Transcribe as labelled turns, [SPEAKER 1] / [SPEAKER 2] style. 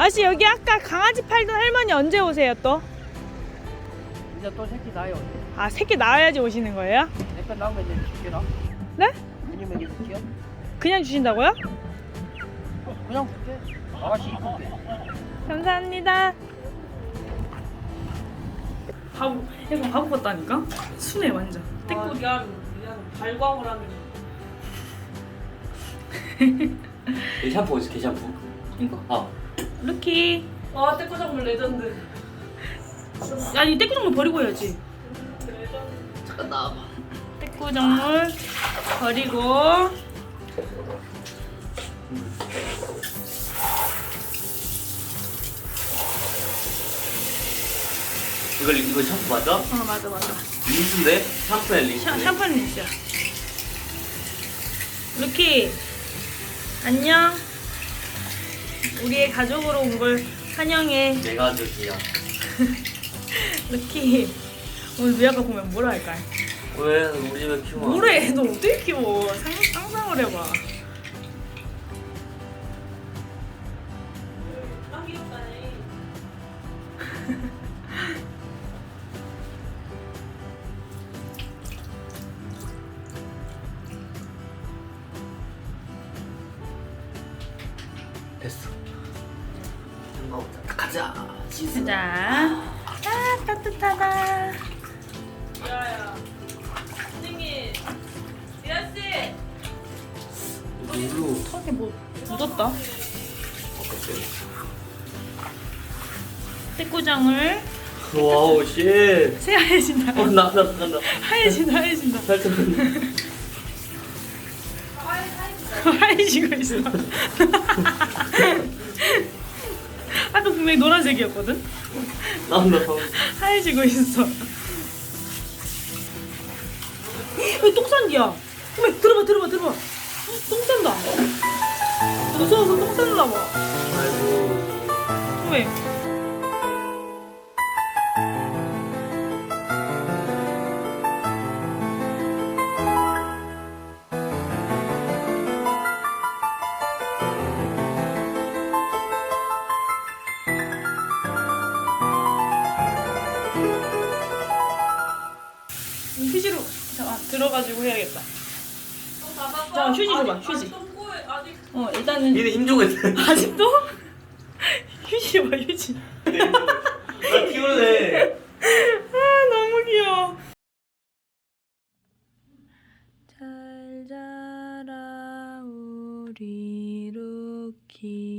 [SPEAKER 1] 아저씨 여기 아까 강아지 팔던 할머니 언제 오세요 또?
[SPEAKER 2] 이제 또 새끼 나요.
[SPEAKER 1] 아 새끼 낳아야지 오시는 거예요?
[SPEAKER 2] 내거 나오면 이제 줄게라.
[SPEAKER 1] 네?
[SPEAKER 2] 아니면 이거 줄게요?
[SPEAKER 1] 그냥 주신다고요?
[SPEAKER 2] 그냥 줄게. 아가씨 이쁘게.
[SPEAKER 1] 감사합니다. 바보, 약간 바보 같다니까? 순해 완전.
[SPEAKER 3] 아, 미안 발광을 하는.
[SPEAKER 4] 이 샴푸 어디 있어? 샴푸?
[SPEAKER 1] 이거. 루키.
[SPEAKER 3] 아 떼꾸작물 레전드.
[SPEAKER 1] 아니 떼꾸정물 버리고 해야지.
[SPEAKER 3] 잠깐 나와봐.
[SPEAKER 1] 떼꾸정물 버리고.
[SPEAKER 4] 이거 샴푸 맞아?
[SPEAKER 1] 맞아.
[SPEAKER 4] 린스인데? 샴푸야 린스.
[SPEAKER 1] 샴푸는 있어. 루키. 안녕. 우리의 가족으로 온 걸 환영해.
[SPEAKER 4] 내가 아저씨야.
[SPEAKER 1] 루키. 오늘 미아가 보면 뭐라 할까?
[SPEAKER 4] 왜 우리 집에 키워?
[SPEAKER 1] 뭐래? 너 어떻게 키워? 상상을 해봐.
[SPEAKER 3] 아 귀엽다네.
[SPEAKER 4] 됐어. 가자.
[SPEAKER 1] 자, 아 따뜻하다.
[SPEAKER 3] 야야. 선생님. 미아 씨.
[SPEAKER 4] 물로.
[SPEAKER 1] 턱에 뭐 묻었다. 떼꾸장을
[SPEAKER 4] 와우 쉣.
[SPEAKER 1] 새하얘진다.
[SPEAKER 4] 나.
[SPEAKER 1] 하얘진다.
[SPEAKER 4] 살짝.
[SPEAKER 1] 하얘지고 있어. 아까 분명히 노란색이었거든.
[SPEAKER 4] 나.
[SPEAKER 1] 하얘지고 있어. 왜 똥산기야? 왜 들어봐. 똥 싼다. 무서워서 똥 쌌나 봐.
[SPEAKER 4] 아이고.
[SPEAKER 1] 왜? 휴지로 잠깐 들어가지고 해야겠다. 자, 휴지 줘봐, 휴지.
[SPEAKER 3] 똥꼬에 아직.
[SPEAKER 1] 일단은
[SPEAKER 4] 얘네 힘주고 있어.
[SPEAKER 1] 아직도 휴지 줘봐, 휴지.
[SPEAKER 4] 나 키우네.
[SPEAKER 1] 아 너무 귀여워. 잘 자라 우리 루키.